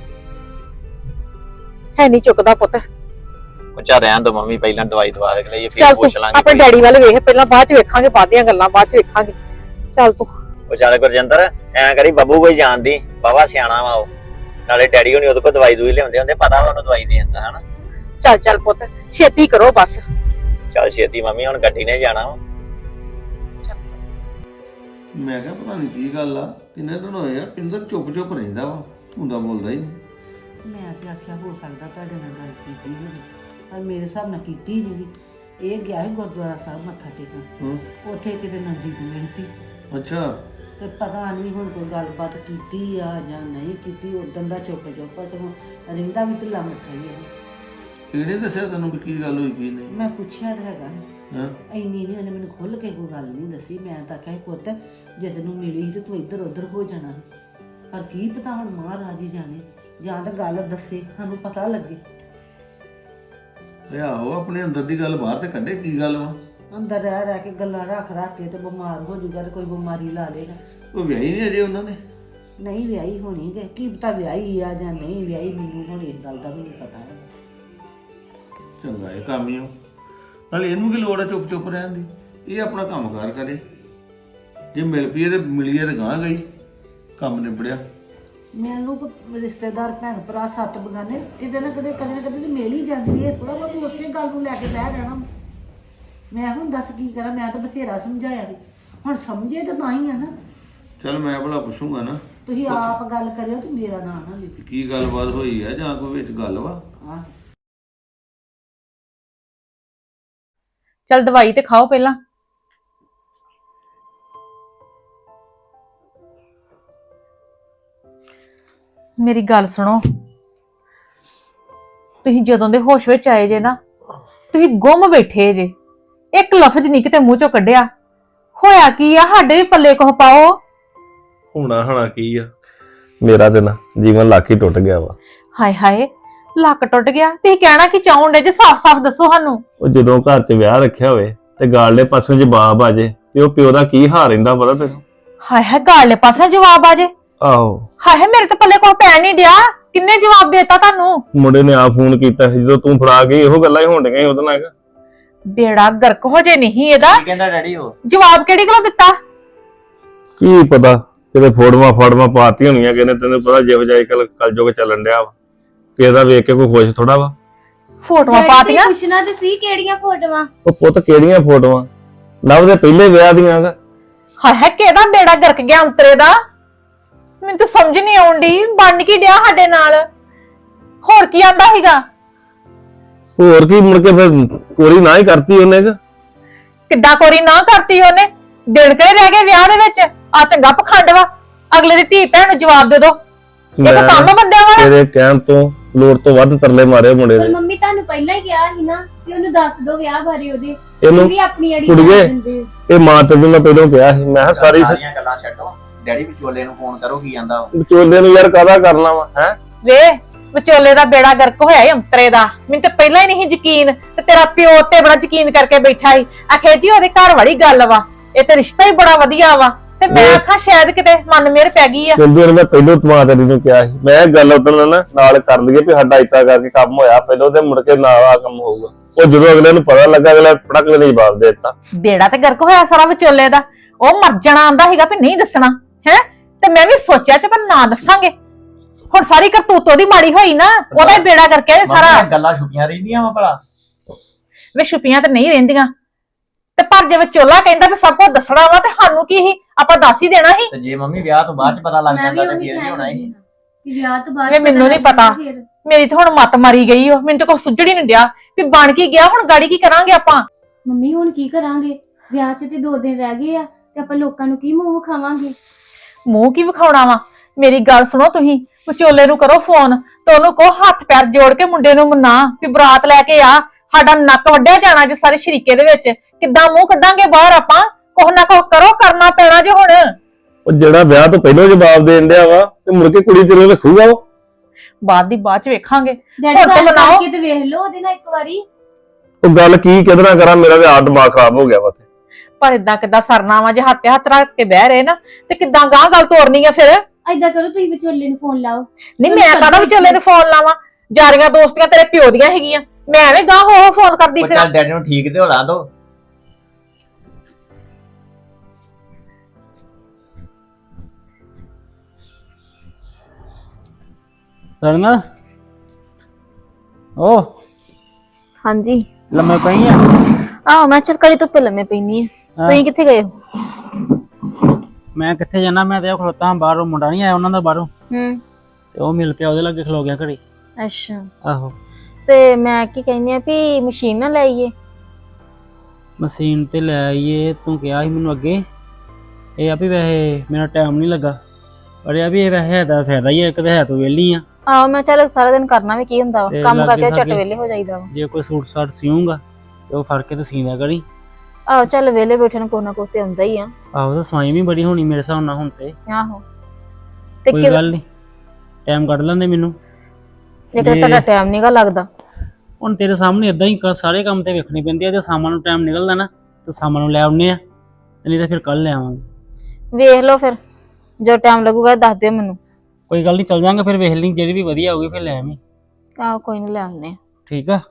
ਹੈ ਨਹੀਂ ਚੁੱਕਦਾ ਪੁੱਤ।
ਉਹ ਚਾ ਰਹਿਣ ਦੋ ਮੰਮੀ, ਪਹਿਲਾਂ ਦਵਾਈ ਦਵਾ ਕੇ ਲਈਏ ਫਿਰ
ਚੱਲ
ਪੁੱਛ
ਤੂੰ
ਲਾਂਗੇ।
ਆਪਣੇ ਡੈਡੀ ਵੱਲ ਵੇਖ ਪਹਿਲਾਂ, ਬਾਅਦ ਚ ਵੇਖਾਂਗੇ, ਬਾਅਦ ਦੀਆਂ ਗੱਲਾਂ ਬਾਅਦ ਚ ਵੇਖਾਂਗੇ। ਚੱਲ ਤੂੰ
ਉਹ ਚੱਲ ਗੁਰਜਿੰਦਰ ਐਂ ਕਰੀ, ਬੱਬੂ ਕੋਈ ਜਾਣਦੀ ਬਾਬਾ ਸਿਆਣਾ ਵਾ ਉਹ, ਨਾਲੇ ਡੈਡੀ ਹੋਣੀ ਉਹਦੇ ਕੋਲ ਦਵਾਈ ਦੂਈ ਲਿਆਉਂਦੇ ਹੁੰਦੇ, ਪਤਾ ਵਾ ਉਹਨੂੰ ਦਵਾਈ ਦੇ ਦਿੰਦਾ ਹਨਾ।
ਚੱਲ ਪੁੱਤ ਛੇਤੀ ਕਰੋ ਬਸ।
ਚੱਲ ਛੇਤੀ ਮੰਮੀ, ਹੁਣ ਗੱਡੀ ਨੇ ਜਾਣਾ ਵਾ।
ਮੈਂ ਕਿਹਾ ਪਤਾ ਨਹੀਂ ਕੀ ਗੱਲ ਆ, ਕਿੰਨੇ ਦਿਨ ਹੋਏ ਆ ਪਿੰਦਰ ਚੁੱਪ ਰਹਿੰਦਾ ਵਾ, ਹੁੰਦਾ ਬੋਲਦਾ ਹੀ ਨਹੀਂ।
ਮੈਂ ਤੇ ਆਖਿਆ ਹੋ ਸਕਦਾ ਤੁਹਾਡੇ ਨਾਲ ਗੱਲ ਕੀਤੀ ਹੋਵੇ, ਪਰ ਮੇਰੇ ਹਿਸਾਬ ਨਾਲ ਕੀਤੀ ਨਹੀਂ। ਇਹ ਗਿਆ ਸੀ ਗੁਰਦੁਆਰਾ ਸਾਹਿਬ ਮੱਥਾ ਟੇਕਣ, ਉੱਥੇ ਕਿਤੇ ਨਜ਼ਦੀਕ ਮਿਲਤੀ।
ਅੱਛਾ
ਤੇ ਪਤਾ ਨਹੀਂ ਹੁਣ ਕੋਈ ਗੱਲਬਾਤ ਕੀਤੀ ਆ ਜਾਂ ਨਹੀਂ ਕੀਤੀ, ਉਦੋਂ ਦਾ ਚੁੱਪ ਸਗੋਂ ਰਹਿੰਦਾ ਵੀ ਢਿੱਲਾ ਮੱਠਾ ਹੀ ਹੈ।
ਕਿਹੜੇ ਦੱਸਿਆ ਤੈਨੂੰ ਵੀ ਕੀ ਗੱਲ ਹੋਈ ਕੀ ਨਹੀਂ?
ਮੈਂ ਪੁੱਛਿਆ ਤਾਂ ਹੈਗਾ,
ਹਾਂ
ਇੰਨੀ ਨਹੀਂ ਉਹਨੇ ਮੈਨੂੰ ਖੁੱਲ ਕੇ ਕੋਈ ਗੱਲ ਨਹੀਂ ਦੱਸੀ। ਮੈਂ ਤਾਂ ਆਖਿਆ ਸੀ ਪੁੱਤ ਜੇ ਤੈਨੂੰ ਮਿਲੀ ਸੀ ਤੇ ਤੂੰ ਇੱਧਰ ਉੱਧਰ ਹੋ ਜਾਣਾ ਸੀ, ਪਰ ਕੀ ਪਤਾ ਹੁਣ ਮਹਾਰਾਜ ਹੀ ਜਾਣੇ, ਜਾਂ ਤਾਂ ਗੱਲ ਦੱਸੇ ਸਾਨੂੰ ਪਤਾ ਲੱਗੇ।
ਆਹੋ ਆਪਣੇ ਅੰਦਰ ਦੀ ਗੱਲ ਬਾਹਰ ਤੇ ਕੱਢੇ, ਕੀ ਗੱਲ ਵਾ?
ਅੰਦਰ ਰਹਿ ਕੇ ਗੱਲਾਂ ਰੱਖ ਕੇ ਤੇ ਬਿਮਾਰ ਹੋ ਜੂਗਾ ਤੇ ਕੋਈ ਬਿਮਾਰੀ ਲਾ ਲੇਗਾ।
ਉਹ ਵਿਆਹੀ ਨਹੀਂ ਅਜੇ ਉਹਨਾਂ ਨੇ?
ਨਹੀਂ ਵਿਆਹੀ ਹੋਣੀ ਕਿ ਕੀ ਪਤਾ ਵਿਆਹੀ ਆ ਜਾਂ ਨਹੀਂ ਵਿਆਹੀ, ਮੈਨੂੰ ਹੁਣ ਇਸ ਗੱਲ ਦਾ ਵੀ ਨਹੀਂ ਪਤਾ ਹੈ।
ਚੰਗਾ ਇਹ ਕੰਮ ਹੀ ਹੋ, ਨਾਲੇ ਇਹਨੂੰ ਕੀ ਲੋੜ ਹੈ ਚੁੱਪ ਰਹਿਣ ਦੀ? ਇਹ ਆਪਣਾ ਕੰਮ ਕਾਰ ਕਰੇ, ਜੇ ਮਿਲ ਪਈਏ ਤੇ ਮਿਲੀਏ ਤੇ ਗਾਂ ਗਈ, ਕੰਮ ਨਿਬੜਿਆ।
ਮੈਨੂੰ ਰਿਸ਼ਤੇਦਾਰ ਭੈਣ ਭਰਾ 7 ਬਗਾਨੇ ਕਿਤੇ ਨਾ ਕਦੇ ਮਿਲ ਹੀ ਜਾਂਦੀ ਹੈ, ਥੋੜਾ ਬਹੁਤ ਉਸੇ ਗੱਲ ਨੂੰ ਲੈ ਕੇ ਬਹਿ ਜਾਣਾ। ਮੈਂ ਹੁਣ ਦੱਸ ਕੀ ਕਰਾਂ, ਮੈਂ ਤਾਂ ਬਥੇਰਾ ਸਮਝਾਇਆ ਵੀ, ਹੁਣ ਸਮਝੇ ਤਾਂ ਤਾਂ ਹੀ ਆ ਨਾ।
ਚੱਲ ਮੈਂ ਭਲਾ ਪੁੱਛੂੰਗਾ ਨਾ,
ਤੁਸੀਂ ਆਪ ਗੱਲ ਕਰਿਓ ਤੇ ਮੇਰਾ ਨਾਂ ਨਾ ਲਿਖੋ।
ਕੀ ਗੱਲਬਾਤ ਹੋਈ ਹੈ ਜਾਂ ਕੋਈ ਵਿੱਚ ਗੱਲ ਵਾ?
ਹਾਂ
ਚੱਲ ਦਵਾਈ ਤੇ ਖਾਓ ਪਹਿਲਾਂ। ਮੇਰੀ ਗੱਲ ਸੁਣੋ, ਤੁਸੀਂ ਜਦੋਂ ਦੇ ਹੋਸ਼ ਵਿੱਚ ਆਏ ਜੇ ਨਾ, ਤੁਸੀਂ ਗੁੰਮ ਬੈਠੇ ਜੇ, ਇੱਕ ਲਫ਼ਜ਼ ਨਹੀਂ ਕਿਤੇ ਮੂੰਹ ਚੋਂ ਕੱਢਿਆ। ਹੋਇਆ ਕੀ ਆ? ਸਾਡੇ ਵੀ ਪੱਲੇ ਕੋਹ ਪਾਓ।
ਹੋਣਾ ਹਣਾ ਕੀ ਆ, ਮੇਰਾ ਤੇ ਨਾ ਜੀਵਨ ਲਾਖੀ ਟੁੱਟ ਗਿਆ ਵਾ।
ਹਾਏ ਹਾਏ, ਲੱਕ ਟੁੱਟ ਗਿਆ। ਤੁਸੀਂ ਕਹਿਣਾ ਕੀ ਚਾਹੁੰਦੇ ਜੇ? ਸਾਫ਼-ਸਾਫ਼ ਦੱਸੋ ਸਾਨੂੰ।
ਉਹ ਜਦੋਂ ਘਰ 'ਚ ਵਿਆਹ ਰੱਖਿਆ ਹੋਵੇ ਤੇ ਗਾਲਲੇ ਪਾਸੋਂ ਜਵਾਬ ਆ ਜੇ ਤੇ ਉਹ ਪਿਓ ਦਾ ਕੀ ਹਾਲ ਰਹਿੰਦਾ ਪਤਾ ਤੈਨੂੰ?
ਹਾਏ ਹਾਏ, ਗਾਲੇ ਪਾਸੇ ਜਵਾਬ ਆ ਜੇ।
ਆਹੋ
ਹਾਏ ਹਾਏ, ਮੇਰੇ ਤੇ ਪੱਲੇ ਕੋਹ ਪੈ ਨਹੀਂ ਡਿਆ। ਕਿੰਨੇ ਜਵਾਬ ਦੇਤਾ ਤੁਹਾਨੂੰ?
ਮੁੰਡੇ ਨੇ ਆ ਫੋਨ ਕੀਤਾ ਸੀ ਜਦੋਂ ਤੂੰ ਫੜਾ ਗਈ, ਇਹੋ ਗੱਲਾਂ ਹੀ ਹੋਣ ਡੀਆਂ ਉਹਦੇ ਨਾਲ।
ਬੇੜਾ ਗਰਕ ਹੋ ਜੇ ਨਹੀਂ ਇਹਦਾ।
ਕੀ ਕਹਿੰਦਾ ਡੈਡੀ ਉਹ?
ਜਵਾਬ ਕਿਹੜੀ ਗੱਲੋਂ ਦਿੱਤਾ?
ਕੀ ਪਤਾ ਕਿਤੇ ਫੋੜਵਾ ਪਾਤੀ ਹੋਣੀਆਂ ਕਿਨੇ, ਤੈਨੂੰ ਪਤਾ ਜਿਹੋ ਜਿਹਾ ਕਲਯੁੱਗ ਚੱਲਣ ਡਿਆ ਵਾ, ਕਿਸੇ ਦਾ ਵੇਖ ਕੇ ਕੋਈ ਖੁਸ਼ ਥੋੜਾ ਵਾ।
ਫੋਟੋਆਂ ਪਾਤੀਆਂ?
ਪੁੱਛਣਾ ਤੇ ਸੀ ਕਿਹੜੀਆਂ ਫੋਟੋਆਂ।
ਉਹ ਪੁੱਤ ਕਿਹੜੀਆਂ ਫੋਟੋਆਂ? ਲਵ ਦੇ ਪਹਿਲੇ ਵਿਆਹ ਦੀਆਂ ਗਾ।
ਹਾਏ ਹਾਏ, ਕਿਹਦਾ ਬੇੜਾ ਗਰਕ ਗਿਆ ਅੰਤਰੇ ਦਾ? ਮੈਨੂੰ ਤਾਂ ਸਮਝ ਨਹੀਂ ਆਉਂਦੀ, ਬਣ ਕੀ ਡਿਆ ਸਾਡੇ ਨਾਲ? ਹੋਰ ਕੀ ਆਂਦਾ ਸੀਗਾ?
ਹੋਰ ਕੀ ਮੁੜ ਕੇ ਫਿਰ ਕੋਰੀ ਨਾ ਹੀ ਕਰਤੀ ਉਹਨੇ ਗਾ।
ਕਿੱਦਾਂ ਕੋਰੀ ਨਾ ਕਰਤੀ ਉਹਨੇ? ਦਿਨ ਕਿਹੜੇ ਰਹਿ ਗਏ ਵਿਆਹ ਦੇ ਵਿੱਚ? ਆ ਚੰਗਾ ਪਖੰਡ ਵਾ। ਅਗਲੇ ਦੀ ਧੀ ਭੈਣ ਨੂੰ ਜਵਾਬ ਦੇ ਦੋ। ਇਹ ਤਾਂ ਕੰਮ ਬੰਦਿਆਂ ਵਾਲਾ।
ਤੇਰੇ ਕਹਿਣ ਤੋਂ ਲੋੜ ਤੋਂ ਵੱਧ ਤਰਲੇ ਮਾਰੇ ਮੁੰਡੇ
ਪਰ
ਨੇ।
ਮੰਮੀ ਤੁਹਾਨੂੰ ਪਹਿਲਾਂ ਹੀ ਕਿਹਾ ਸੀ ਨਾ ਕਿ ਉਹਨੂੰ ਦੱਸ ਦਿਓ ਵਿਆਹ ਬਾਰੇ ਉਹਦੇ,
ਇਹਨੂੰ
ਵੀ ਆਪਣੀ ਅੜੀ
ਕੁੜੀਏ,
ਕਰ ਦਿੰਦੇ।
ਇਹ ਮਾਂ ਤੈਨੂੰ ਮੈਂ ਪਹਿਲਾਂ ਕਿਹਾ ਸੀ, ਮੈਂ ਕਿਹਾ
ਸਾਰੀਆਂ ਗੱਲਾਂ ਛੱਡੋ, ਡੈਡੀ ਵਿਚੋਲੇ ਨੂੰ ਫੋਨ ਕਰੋ, ਕੀ ਜਾਂਦਾ ਉਹ?
ਵਿਚੋਲੇ ਨੂੰ ਯਾਰ ਕਾਹਦਾ ਕਰਨਾ ਵਾ ਹੈ?
ਵੇ ਵਿਚੋਲੇ ਦਾ ਬੇੜਾ ਗਰਕ ਹੋਇਆ ਈ ਅੰਤਰੇ ਦਾ। ਮੈਨੂੰ ਤਾਂ ਪਹਿਲਾਂ ਹੀ ਨਹੀਂ ਯਕੀਨ, ਤੇ ਤੇਰਾ ਪਿਓ ਤੇ ਬੜਾ ਯਕੀਨ ਕਰਕੇ ਬੈਠਾ ਸੀ। ਆਖੇ ਜੀ ਉਹਦੇ ਘਰ ਵਾਲੀ ਗੱਲ ਵਾ, ਇਹ ਤੇ ਰਿਸ਼ਤਾ ਹੀ ਬੜਾ ਵਧੀਆ ਵਾ। ਤੇ ਮੈਂ ਆਖਾਂ ਸ਼ਾਇਦ ਕਿਤੇ ਮਨ ਮੇਰ ਪੈ ਗਈ ਆ।
ਕਿੰਦੇ ਨੇ ਪਹਿਲਾਂ ਮਾਂ ਤੇਰੀ ਨੂੰ ਕਿਹਾ ਸੀ, ਮੈਂ ਗੱਲ ਉਦੋਂ ਨਾਲ ਕਰ ਲਈਏ ਵੀ ਸਾਡਾ ਇਤਾ ਕਰਕੇ ਕੰਮ ਹੋਇਆ ਪਹਿਲਾਂ, ਤੇ ਮੁੜ ਕੇ ਨਾਲ ਆ ਕੰਮ ਹੋਊਗਾ। ਉਹ ਜਦੋਂ ਅਗਲੇ ਨੂੰ ਪਤਾ ਲੱਗਾ, ਅਗਲਾ ਪੜਕ ਦੇ ਜਵਾਬ ਦੇ ਦਿੱਤਾ।
ਬੇੜਾ ਤੇ ਗਰਕ ਹੋਇਆ ਸਾਰਾ ਵਿਚੋਲੇ ਦਾ। ਉਹ ਮਰ ਜਾਣਾ ਆਂਦਾ ਸੀਗਾ ਵੀ ਨਹੀਂ ਦੱਸਣਾ ਹੈ, ਤੇ ਮੈਂ ਵੀ ਸੋਚਿਆ ਚ ਪਰ ਨਾ ਦੱਸਾਂਗੇ। ਹੁਣ ਸਾਰੀ ਕਰਤੂਤ ਉਹਦੀ ਮਾੜੀ ਹੋਈ ਨਾ, ਉਹਦਾ ਹੀ ਬੇੜਾ ਕਰਕੇ ਆਏ ਸਾਰਾ।
ਮੰਮੀ ਗੱਲਾਂ ਛੁਪੀਆਂ ਰਹਿੰਦੀਆਂ ਵਾ ਭਲਾ।
ਵੇ ਛੁਪੀਆਂ ਤੇ ਨਹੀਂ ਰਹਿੰਦੀਆਂ, ਤੇ ਪਰ ਜੇ ਵਿਚੋਲਾ ਕਹਿੰਦਾ ਵੀ ਸਭ ਕੁਝ ਦੱਸਣਾ ਵਾ ਤੇ ਸਾਨੂੰ ਕੀ ਸੀ, ਆਪਾਂ ਦੱਸ ਹੀ ਦੇਣਾ ਸੀ।
ਤੇ ਜੇ ਮੰਮੀ ਵਿਆਹ ਤੋਂ ਬਾਅਦ ਚ ਪਤਾ ਲੱਗ
ਮੈਂ ਵੀ
ਜਾਂਦਾ ਤੇ
ਉਹੀ
ਫੇਰ ਵੀ ਹੋਣਾ
ਕਹਿ
ਹੀ।
ਵਿਆਹ ਤੋਂ ਬਾਅਦ
ਵੇ ਮੈਨੂੰ ਨਹੀਂ ਪਤਾ, ਮੇਰੀ ਤਾਂ ਹੁਣ ਮੱਤ ਮਾਰੀ ਗਈ ਓ, ਮੈਨੂੰ ਤਾਂ ਕੁਛ ਸੁੱਝੜ ਹੀ ਨਹੀਂ ਡਿਆ ਵੀ ਬਣ ਕੀ ਗਿਆ, ਹੁਣ ਗਾੜੀ ਕੀ ਕਰਾਂਗੇ ਆਪਾਂ।
ਮੰਮੀ ਹੁਣ ਕੀ ਕਰਾਂਗੇ, ਵਿਆਹ 'ਚ ਤੇ 2 ਦਿਨ ਰਹਿ ਗਏ ਆ ਤੇ ਆਪਾਂ ਲੋਕਾਂ ਨੂੰ ਕੀ ਮੂੰਹ ਵਿਖਾਵਾਂਗੇ।
ਮੂੰਹ ਕੀ ਵਿਖਾਉਣਾ ਵਾ, ਮੇਰੀ ਗੱਲ ਸੁਣੋ ਤੁਸੀਂ, ਵਿਚੋਲੇ ਨੂੰ ਕਰੋ ਫੋਨ ਤੇ ਉਹਨੂੰ ਕਹੋ ਹੱਥ ਪੈਰ ਜੋੜ ਕੇ ਮੁੰਡੇ ਨੂੰ ਮਨਾ ਵੀ ਬਰਾਤ ਲੈ ਕੇ ਆ, ਸਾਡਾ ਨੱਕ ਵੱਢਿਆ ਜਾਣਾ ਜੇ ਸਾਰੇ ਸ਼ਰੀਕੇ ਦੇ ਵਿੱਚ, ਕਿੱਦਾਂ ਮੂੰਹ ਕੱਢਾਂਗੇ ਬਾਹਰ ਆਪਾਂ, ਕੁਛ ਨਾ ਕੁਛ ਕਰੋ, ਕਰਨਾ ਪੈਣਾ ਜੇ ਹੁਣ।
ਉਹ ਜਿਹੜਾ ਵਿਆਹ ਤੋਂ ਪਹਿਲਾਂ ਜਵਾਬ ਦੇਣ ਡਿਆ ਵਾ ਤੇ ਮੁੜ ਕੇ ਕੁੜੀ ਤੇਰੇ ਰੱਖੂਗਾ ਉਹ।
ਬਾਅਦ ਚ ਵੇਖਾਂਗੇ,
ਡੈਡੀ
ਹੁਣ ਤਾਂ
ਗੱਲ
ਬਣਾਓ।
ਕਰਕੇ ਤੇ ਵੇਖ ਲਓ ਉਹਦੇ ਨਾਲ ਇੱਕ ਵਾਰੀ।
ਉਹ ਗੱਲ ਕੀ ਕਿਹਦੇ ਨਾਲ ਕਰਾਂ, ਮੇਰਾ ਤੇ ਆਪ ਦਿਮਾਗ ਖਰਾਬ ਹੋ ਗਿਆ ਵਾ ਤੇ।
ਪਰ ਇਦਾਂ ਕਿੱਦਾਂ ਸਰਨਾ ਵਾ, ਜੇ ਹੱਥ ਹੱਥ ਰੱਖ ਕੇ ਬਹਿ ਰਹੇ ਨਾ ਤੇ ਕਿੱਦਾਂ ਗਾਂ ਗੱਲ ਤੋਰਨੀ ਆ ਫਿਰ।
ਏਦਾਂ ਕਰੋ ਤੁਸੀਂ ਵਿਚੋਲੇ ਨੂੰ ਫੋਨ ਲਾਓ।
ਨਹੀਂ ਮੈਂ ਕਾਹਦਾ ਵਿਚੋਲੇ ਨੂੰ ਫੋਨ ਲਾਵਾਂ, ਜਾਰੀਆਂ ਦੋਸਤੀਆਂ ਤੇਰੇ ਪਿਓ ਦੀਆਂ ਹੈਗੀਆਂ, ਮੈਂ ਐਵੇਂ ਗਾਂ ਹੋ ਫੋਨ ਕਰਦੀ
ਉਹ
ਫਿਰ।
ਚੱਲ ਡੈਡੀ ਨੂੰ ਠੀਕ ਤੇ ਹੋ ਲਾਂ ਦੋ।
ਸਰਨਾ ਓ
ਹਾਂਜੀ
ਲੰਮੇ ਪਈ ਆ।
ਆਹ ਮੈਂ ਚੱਲ ਕੜੀ ਧੁੱਪੇ ਲੰਮੇ ਪੈਣੀ ਆ। ਤੁਸੀਂ ਕਿੱਥੇ ਗਏ ਹੋ?
ਮੈਂ ਕਿੱਥੇ ਜਾਣਾ, ਮੈਂ ਤੇ ਉਹ ਖਲੋਤਾ ਹਾਂ ਬਾਹਰੋਂ, ਮੁੰਡਾ ਨਹੀਂ ਆਇਆ ਉਹਨਾਂ ਦਾ ਬਾਹਰੋਂ, ਤੇ ਉਹ ਮਿਲ ਪਿਆ ਉਹਦੇ ਲਾਗੇ ਖਲੋ ਗਿਆ ਘੜੀ।
ਅੱਛਾ,
ਆਹੋ
ਤੇ ਮੈਂ ਕੀ ਕਹਿੰਦੀ ਆ ਵੀ ਮਸ਼ੀਨ ਨਾ ਲਾਈਏ।
ਮਸ਼ੀਨ ਤੇ ਲੈ ਆਈਏ, ਤੂੰ ਕਿਹਾ ਸੀ ਮੈਨੂੰ ਅੱਗੇ। ਇਹ ਆ ਵੀ ਵੈਸੇ ਮੇਰਾ ਟਾਈਮ ਨਹੀਂ ਲੱਗਾ, ਪਰ ਇਹ ਆ ਵੀ ਇਹ ਵੈਸੇ ਹੈ ਤਾਂ ਫਾਇਦਾ ਹੀ ਹੈ, ਇੱਕ ਤਾਂ ਹੈ ਤੂੰ ਵਿਹਲੀ ਆ।
ਆਹੋ ਮੈਂ ਚੱਲ ਸਾਰਾ ਦਿਨ ਕਰਨਾ ਵੀ ਕੀ ਹੁੰਦਾ ਵਾ,
ਤੇ
ਕੰਮ
ਲਾਗੇ
ਕਰਕੇ ਝੱਟ
ਸਾਗੇ।
ਵੇਲੇ ਹੋ ਜਾਈਦਾ ਵਾ।
ਜੇ ਕੋਈ ਸੂਟ ਸਾਟ ਸਿਊਂਗਾ ਤੇ ਉਹ ਫੜ ਕੇ ਤੇ ਸੀਂਦਾ ਕਰੀ।
ਆਹੋ ਚੱਲ ਵੇਲੇ ਬੈਠੇ ਨੂੰ ਕੋਈ ਨਾ ਕੋਈ ਤੇ ਆਉਂਦਾ ਹੀ ਆ।
ਆਹੋ ਤਾਂ ਸਵਾਈ ਵੀ ਬੜੀ ਹੋਣੀ ਮੇਰੇ ਹਿਸਾਬ ਨਾਲ ਹੁਣ ਤੇ।
ਆਹੋ ਤੇ
ਕੋਈ ਗੱਲ ਨਹੀਂ, ਟਾਈਮ ਕੱਢ ਲੈਂਦੇ ਮੈਨੂੰ।
ਜੇ ਤੁਹਾਡਾ ਟਾਈਮ ਨਹੀਂਗਾ ਲੱਗਦਾ,
ਹੁਣ ਤੇਰੇ ਸਾਹਮਣੇ ਇਦਾਂ ਹੀ ਸਾਰੇ ਕੰਮ ਤੇ ਵੇਖਣੇ ਪੈਂਦੇ ਆ, ਜੇ ਸ਼ਾਮਾਂ ਨੂੰ ਟਾਈਮ ਨਿਕਲਦਾ ਨਾ ਤੇ ਸ਼ਾਮਾਂ ਨੂੰ ਲੈ ਆਉਨੇ ਆ, ਨਹੀਂ ਤਾਂ ਫਿਰ ਕੱਲ ਲੈ ਆਵਾਂਗੇ।
ਵੇਖ ਲਓ ਫਿਰ ਜੋ ਟਾਈਮ ਲੱਗੂਗਾ ਦੱਸ ਦਿਓ ਮੈਨੂੰ।
ਕੋਈ ਗੱਲ ਨਹੀਂ, ਚੱਲ ਜਾਂਗੇ ਫਿਰ, ਵੇਖ ਲਈ ਜਿਹੜੀ ਵੀ ਵਧੀਆ ਹੋਊਗੀ ਫਿਰ ਲੈ ਆਵੀਂ।
ਆਹੋ ਕੋਈ ਨਹੀਂ ਲੈ ਆਉਂਦੇ ਆ।
ਠੀਕ ਆ।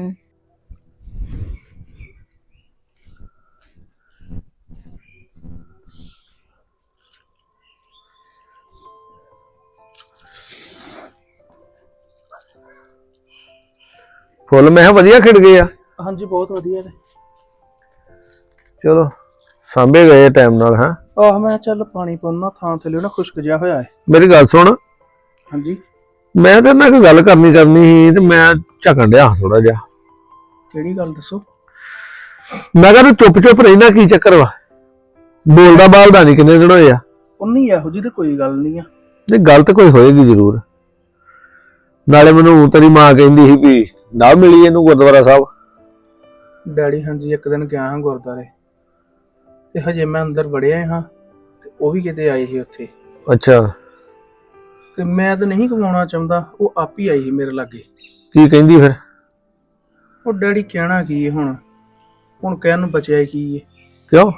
ਫੁੱਲ ਮੈਂ ਕਿਹਾ ਵਧੀਆ ਖਿੜ ਗਏ ਆ।
ਹਾਂਜੀ ਬਹੁਤ ਵਧੀਆ ਨੇ।
ਚਲੋ ਸਾਂਭੇ ਗਏ ਟਾਈਮ ਨਾਲ। ਹਾਂ
ਆਹ ਮੈਂ ਚੱਲ ਪਾਣੀ ਪਾਉਣਾ, ਥਾਂ ਥੱਲੇ ਨਾ ਖੁਸ਼ਕ ਜਿਹਾ ਹੋਇਆ ਹੈ।
ਮੇਰੀ ਗੱਲ ਸੁਣ,
ਹਾਂਜੀ
ਮੈਂ ਤੇ ਨਾ ਕੋਈ ਗੱਲ ਕਰਨੀ ਸੀ ਤੇ ਮੈਂ ਝਕਣ ਡਿਆ ਥੋੜਾ ਜਿਹਾ।
ਕਿਹੜੀ ਗੱਲ ਦੱਸੋ।
ਮੈਂ ਕਿਹਾ ਤੂੰ ਚੁੱਪ ਚੁੱਪ ਰਹਿਣਾ, ਕੀ ਚੱਕਰ ਵਾ? ਬੋਲਦਾ ਬਾਲਦਾ ਨਹੀਂ, ਕਿੰਨੇ ਦਿਨ ਹੋਏ ਆ?
ਉਨੀ ਇਹੋ ਜਿਹੀ ਤੇ ਕੋਈ ਗੱਲ ਨਹੀਂ ਆ।
ਨਹੀਂ ਗੱਲ ਤਾਂ ਕੋਈ ਹੋਏਗੀ ਜ਼ਰੂਰ। ਨਾਲੇ ਮੈਨੂੰ ਤੇਰੀ ਮਾਂ ਕਹਿੰਦੀ ਸੀ ਵੀ ਨਾ ਮਿਲੀ ਇਹਨੂੰ ਗੁਰਦੁਆਰਾ ਸਾਹਿਬ।
ਡੈਡੀ ਹਾਂਜੀ ਇੱਕ ਦਿਨ ਗਿਆ ਹਾਂ ਗੁਰਦੁਆਰੇ, ਤੇ ਹਜੇ ਮੈਂ ਅੰਦਰ ਵੜਿਆ ਹਾਂ ਤੇ ਉਹ ਵੀ ਕਿਤੇ ਆਏ ਸੀ ਉੱਥੇ।
ਅੱਛਾ,
ਤੇ ਮੈਂ ਤਾਂ ਨਹੀਂ ਕਮਾਉਣਾ ਚਾਹੁੰਦਾ, ਉਹ ਆਪ ਹੀ ਆਈ ਸੀ ਮੇਰੇ ਲਾਗੇ।
ਕੀ ਕਹਿੰਦੀ ਫਿਰ?
ਉਹ ਡੈਡੀ ਕਹਿਣਾ ਕੀ ਹੈ ਹੁਣ ਕਹਿਣ ਨੂੰ ਬਚਿਆ ਕੀ ਹੈ।
ਕਿਉਂ?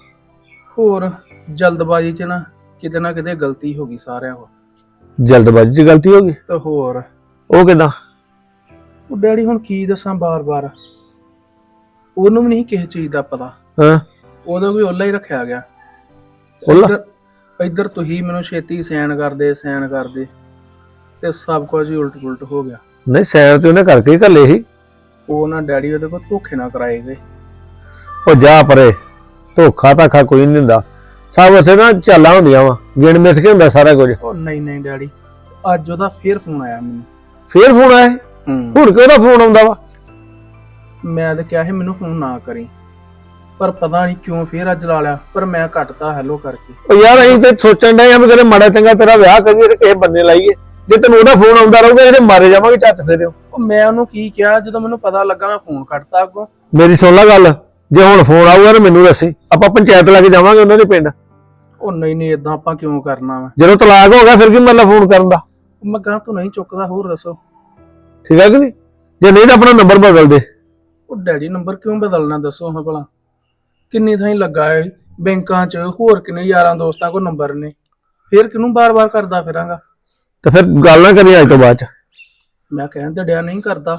ਹੋਰ ਜਲਦਬਾਜ਼ੀ 'ਚ ਨਾ ਕਿਤੇ ਗਲਤੀ ਹੋ ਗਈ ਸਾਰਿਆਂ ਕੋਲ।
ਜਲਦਬਾਜ਼ੀ 'ਚ ਗਲਤੀ ਹੋ ਗਈ?
ਤੇ ਹੋਰ
ਉਹ ਕਿੱਦਾਂ?
ਉਹ ਡੈਡੀ ਹੁਣ ਕੀ ਦੱਸਾਂ, ਬਾਰ-ਬਾਰ ਉਹਨੂੰ ਵੀ ਨਹੀਂ ਕਿਸੇ ਚੀਜ਼ ਦਾ ਪਤਾ।
ਹਾਂ,
ਉਹਦਾ ਵੀ ਓਲਾ ਹੀ ਰੱਖਿਆ ਗਿਆ।
ਓਲਾ?
ਇੱਧਰ ਤੁਸੀਂ ਮੈਨੂੰ ਛੇਤੀ ਸੈਨ ਕਰਦੇ ਤੇ ਸਭ ਕੁਝ ਹੀ ਉਲਟ ਹੋ ਗਿਆ।
ਨਹੀਂ ਸੈਰ ਤੇ ਉਹਨੇ ਕਰਕੇ ਹੀ ਘੱਲੇ ਸੀ।
ਉਹ ਨਾ ਡੈਡੀ ਉਹਦੇ ਕੋਲ ਧੋਖੇ ਨਾ ਕਰਾਏ ਗਏ।
ਉਹ ਜਾ ਪਰੇ, ਧੋਖਾ ਧਾਖਾ ਕੋਈ ਨਹੀਂ ਹੁੰਦਾ, ਸਭ ਉੱਥੇ ਨਾ ਚਾਲਾਂ ਹੁੰਦੀਆਂ ਵਾ, ਗਿਣ ਮਿਥ ਕੇ ਹੁੰਦਾ ਸਾਰਾ ਕੁਝ।
ਉਹ ਨਹੀਂ ਡੈਡੀ, ਅੱਜ ਉਹਦਾ ਫੇਰ ਫੋਨ ਆਇਆ ਮੈਨੂੰ।
ਫੇਰ ਫੋਨ ਆਇਆ? ਹੁਣ ਕਿਉਂ ਉਹਦਾ ਫੋਨ ਆਉਂਦਾ ਵਾ?
ਮੈਂ ਤਾਂ ਕਿਹਾ ਸੀ ਮੈਨੂੰ ਫੋਨ ਨਾ ਕਰੀ, ਪਰ ਪਤਾ ਨਹੀਂ ਕਿਉਂ ਫੇਰ ਅੱਜ ਲਾ ਲਿਆ, ਪਰ ਮੈਂ ਕੱਟਤਾ ਹੈਲੋ ਕਰਕੇ।
ਉਹ ਯਾਰ ਅਸੀਂ ਤੇ ਸੋਚਣ ਡਏ ਆ ਵੀ ਕਦੇ ਮਾੜਾ ਚੰਗਾ ਤੇਰਾ ਵਿਆਹ ਕਰੀਏ ਤੇ ਕਿਸੇ ਬੰਦੇ ਲਾਈਏ, ਜੇ ਤੈਨੂੰ ਉਹਦਾ ਫੋਨ ਆਉਂਦਾ ਰਹੂਗਾ ਇਹਦੇ ਮਾਰੇ ਜਾਵਾਂਗੇ ਝੱਟ ਫੇਰਿਓ।
ਉਹ ਮੈਂ ਉਹਨੂੰ ਕੀ ਕਿਹਾ, ਜਦੋਂ ਮੈਨੂੰ ਪਤਾ ਲੱਗਾ ਮੈਂ ਫੋਨ ਕੱਟਤਾ ਅੱਗੋਂ।
ਮੇਰੀ ਸੁਣ ਲੈ ਗੱਲ, ਜੇ ਹੁਣ ਫੋਨ ਆਊਗਾ ਤਾਂ ਮੈਨੂੰ ਦੱਸੀ, ਆਪਾਂ ਪੰਚਾਇਤ ਲੈ ਕੇ ਜਾਵਾਂਗੇ ਉਹਨਾਂ ਦੇ ਪਿੰਡ।
ਉਹ ਨਹੀਂ ਏਦਾਂ ਆਪਾਂ ਕਿਉਂ ਕਰਨਾ ਵਾ?
ਜਦੋਂ ਤਲਾਕ ਹੋ ਗਿਆ ਫਿਰ ਕੀ ਮਤਲਬ ਫੋਨ ਕਰਨ ਦਾ?
ਮੈਂ ਗਾਂ ਤੋਂ ਨਹੀਂ ਚੁੱਕਦਾ, ਹੋਰ ਦੱਸੋ।
ਠੀਕ ਹੈ ਕਿ ਨਹੀਂ? ਜੇ ਨਹੀਂ ਤਾਂ ਆਪਣਾ ਨੰਬਰ ਬਦਲ ਦੇ।
ਉਹ ਡੈਡੀ ਨੰਬਰ ਕਿਉਂ ਬਦਲਣਾ ਦੱਸੋ ਹਾਂ ਭਲਾ? ਕਿੰਨੀ ਥਾਈਂ ਲੱਗਾ ਹੈ ਬੈਂਕਾਂ 'ਚ, ਹੋਰ ਕਿੰਨੇ ਯਾਰਾਂ ਦੋਸਤਾਂ ਕੋਲ ਨੰਬਰ ਨੇ, ਫੇਰ ਕਿਹਨੂੰ ਬਾਰ-ਬਾਰ ਕਰਦਾ ਫਿਰਾਂਗਾ?
ਤੇ ਫਿਰ ਗੱਲ ਨਾ ਕਰੀ ਅੱਜ ਤੋਂ ਬਾਅਦ ਚ।
ਮੈਂ ਕਹਿਣ ਤੇ ਡਿਆ ਨਹੀਂ ਕਰਦਾ।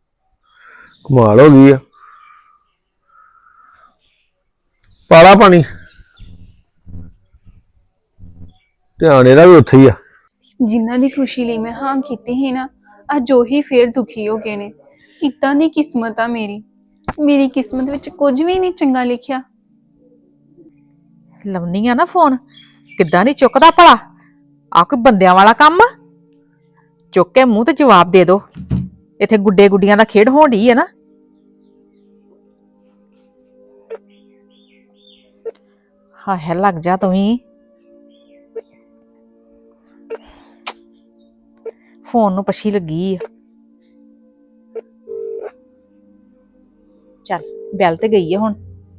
ਕਮਾਲ ਹੋ ਗਈ ਆ। ਪਾਲਾ ਪਾਣੀ, ਧਿਆਨ ਇਹਦਾ ਵੀ ਉੱਥੇ ਹੀ ਆ।
ਜਿਨ੍ਹਾਂ ਦੀ ਖੁਸ਼ੀ ਲਈ ਮੈਂ ਹਾਂ ਕੀਤੀ ਸੀ ਨਾ, ਅੱਜ ਉਹੀ ਫੇਰ ਦੁਖੀ ਹੋ ਗਏ ਨੇ। ਕਿੱਦਾਂ ਦੀ ਕਿਸਮਤ ਆ ਮੇਰੀ ਕਿਸਮਤ ਵਿੱਚ ਕੁਝ ਵੀ ਨਹੀਂ ਚੰਗਾ ਲਿਖਿਆ।
ਲਵਨੀ ਆ ਨਾ ਫੋਨ, ਕਿੱਦਾਂ ਨਹੀਂ ਚੁੱਕਦਾ ਭਲਾ? ਆ ਕੋਈ ਬੰਦਿਆਂ ਵਾਲਾ ਕੰਮ ਆ? ਚੁੱਕ ਕੇ ਮੂੰਹ ਤੇ ਜਵਾਬ ਦੇ ਦੋ। ਇੱਥੇ ਗੁੱਡੇ ਗੁੱਡੀਆਂ ਦਾ ਖੇਡ ਹੋਣ ਡਈ ਹੈ ਨਾ। ਹਾਏ ਲੱਗ ਜਾ ਤੂੰ ਵੀ। ਫੋਨ ਨੂੰ ਪਛੀ ਲੱਗੀ ਆ। ਚੱਲ ਬੈਲ ਤੇ ਗਈ ਆ ਹੁਣ।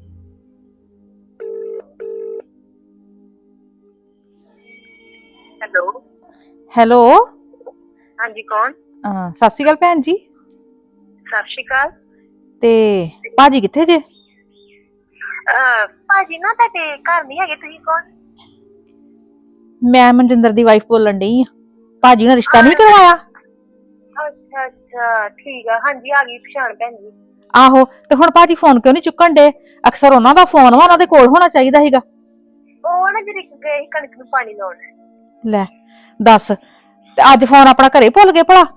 ਹੈਲੋ
ਹੈਲੋ,
ਹਾਂਜੀ ਕੌਣ?
ਸਤਿ ਸ਼੍ਰੀ ਅਕਾਲ ਭੈਣ ਜੀ।
ਸਤਿ ਸ਼੍ਰੀ ਅਕਾਲ।
ਤੇ ਭਾਜੀ ਕਿੱਥੇ ਜੇ?
ਭਾਜੀ ਨਾ ਤੁਹਾਡੇ ਘਰ ਨਹੀਂ ਹੈਗੇ, ਤੁਸੀਂ ਕੌਣ?
ਮੈਂ ਮਨਜਿੰਦਰ ਦੀ ਵਾਈਫ ਬੋਲਣ ਡਈ ਆ। ਭਾਜੀ ਨੇ ਰਿਸ਼ਤਾ ਨਹੀਂ ਕਰਵਾਇਆ?
ਅੱਛਾ ਅੱਛਾ ਠੀਕ ਆ, ਹਾਂਜੀ ਆ ਗਈ ਪਛਾਣ ਭੈਣ ਜੀ।
ਆਹੋ, ਤੇ ਹੁਣ ਭਾਜੀ ਫੋਨ ਕਿਉਂ ਨਹੀਂ ਚੁੱਕਣ ਡੇ? ਅਕਸਰ ਉਹਨਾਂ ਦਾ ਫੋਨ ਵਾ, ਉਹਨਾਂ ਦੇ ਕੋਲ ਹੋਣਾ ਚਾਹੀਦਾ ਸੀਗਾ।
ਉਹ ਨਾ ਜਿਹੜੇ ਗਏ ਸੀ ਕਣਕ ਨੂੰ ਪਾਣੀ ਲਾਉਣ।
ਲੈ ਦੱਸ, ਤੇ ਅੱਜ ਫੋਨ ਆਪਣਾ ਘਰੇ ਭੁੱਲ ਗਏ ਭਲਾ?